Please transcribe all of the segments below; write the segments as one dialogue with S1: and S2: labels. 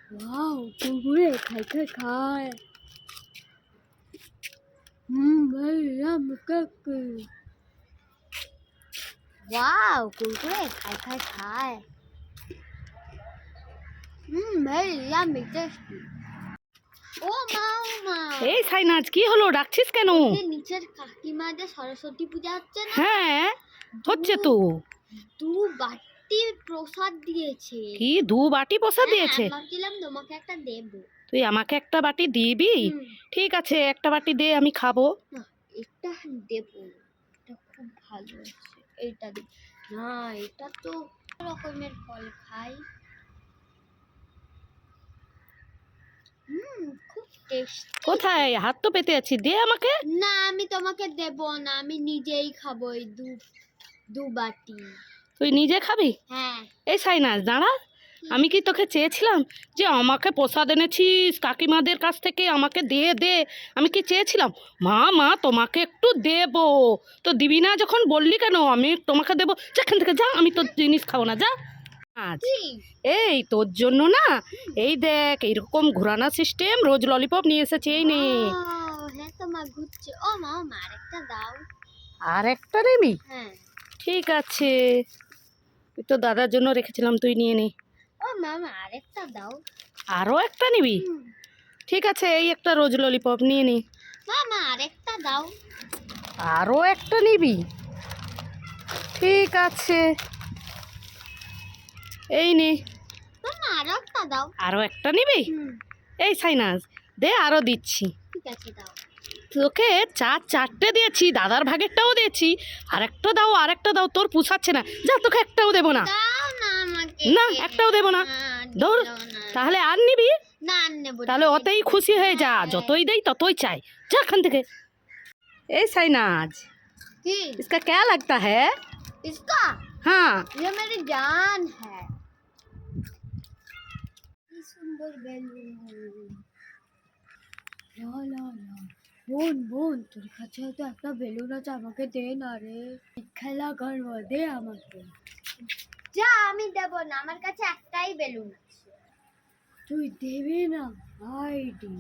S1: Wow Kurkure खाए खाए खाए भैया वाओ कुरकुरे खाए खाए खाए भैया टेस्टी ও মা ও মা
S2: এই সাইনাজ কি হলো, ডাকছিস কেন?
S1: যে নিচের কাকিমা যে সরস্বতী পূজা হচ্ছে না,
S2: হ্যাঁ হচ্ছে তো।
S1: দু বাটি প্রসাদ দিয়েছে।
S2: কি দু বাটি প্রসাদ দিয়েছে?
S1: ভাবছিলাম তোমাকে একটা দেব।
S2: তুই আমাকে একটা বাটি দিবি? ঠিক আছে, একটা বাটি দে, আমি খাবো।
S1: এটা দেব, এটা খুব ভালো আছে, এইটা দে না, এটা তো রকমের ফল খাই। খুব টেস্টি।
S2: কোথায়? হাত তো পেতে আছি, দে আমাকে।
S1: না আমি তোমাকে দেব না, আমি নিজেই খাবো এই দু বাটি।
S2: তুই নিজে খাবি?
S1: হ্যাঁ।
S2: এই সাইনাজ দাঁড়া, আমি কি তোকে চেয়েছিলাম যে আমাকে প্রসাদ এনেছিস কাকিমাদের কাছ থেকে, আমাকে দে দে? আমি কি চেয়েছিলাম মা মা তোমাকে একটু দেব? তো দিবি না যখন বললি কেন আমি তোমাকে দেবো? যেখান থেকে যা, আমি তোর জিনিস খাবো না, যা আজ। এই তোর জন্য না, এই দেখ এইরকম ঘোরানো সিস্টেম রোজ ললিপপ নিয়ে এসেছে, এই নে।
S1: হ্যাঁ তো মা ঘুরছে। ও মা আরেকটা দাও।
S2: আর একটা নিবি?
S1: হ্যাঁ
S2: ঠিক আছে, তুই তো দাদার জন্য রেখেছিলাম, তুই নিয়ে নে।
S1: ও মামা আরেকটা দাও।
S2: আরও একটা নিবি? ঠিক আছে, এই একটা রোজ ললিপপ নিয়ে নে।
S1: মামা আরেকটা দাও।
S2: আরও একটা নিবি? ঠিক আছে, এই নে।
S1: মামা আরো একটা দাও।
S2: আরও একটা নিবি? এই সাইনাজ দে, আরও দিচ্ছি।
S1: ঠিক আছে দাও।
S2: তোকে চারটে দিয়েছি, দাদার ভাগেরটাও দিয়েছি, আরেকটা দাও, আরেকটা দাও, তোর পুষাচ্ছে না, যা তোকে একটাও দেবো না।
S1: দাও না আমাকে।
S2: না একটাও দেবো না, ধর। তাহলে আর নিবি?
S1: না আর নেব।
S2: তাহলে ওতেই খুশি হয়ে যা, যতই দেই ততই চাই, যা এখান থেকে। এই সাইনাজ
S1: কি
S2: इसका क्या लगता है?
S1: इसका
S2: हाँ
S1: ये मेरी जान है। কি সুন্দর বেলুন। লা লা লা বোন বোন, তোর কাছে তো একটা বেলুন আছে, আমাকে দে না রে, খেলা করবো, দে আমাকে। যা আমি দেব না, আমার কাছে একটাই বেলুন আছে। তুই দেবে না আইডি?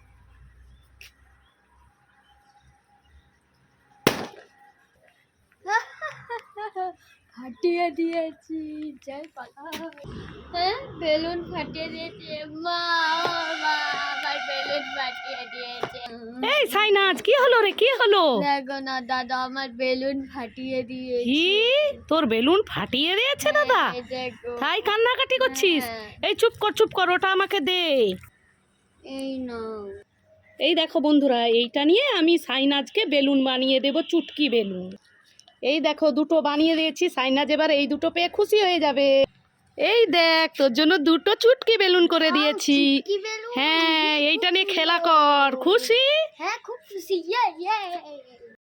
S1: ফাটিয়ে দিয়েছি, যাই পালা। হ্যাঁ বেলুন ফাটিয়ে দিয়েছে মা, মা আমার বেলুন ফাটিয়ে দিয়েছে।
S2: এই সাইনাজ কি হলো রে, কি হলো?
S1: দেখো না দাদা, আমার বেলুন ফাটিয়ে দিয়েছে।
S2: কি তোর বেলুন ফাটিয়ে দিয়েছে দাদা?
S1: এই দেখো।
S2: তাই কান্নাকাটি করছিস?
S1: হ্যাঁ।
S2: এই চুপ কর চুপ কর, ওটা আমাকে দে।
S1: এই নাও।
S2: এই দেখো বন্ধুরা, এইটা নিয়ে আমি সাইনাজকে বেলুন বানিয়ে দেব, চুটকি বেলুন। এই দেখো দুটো বানিয়ে দিয়েছি, সাইনাজ এবার এই দুটো পেয়ে খুশি হয়ে যাবে। এই দেখ তোর জন্য দুটো চুটকি বেলুন করে দিয়েছি।
S1: কি বেলুন?
S2: হ্যাঁ এইটা নিয়ে খেলা কর, খুশি?
S1: হ্যাঁ খুব খুশি। ইয়ে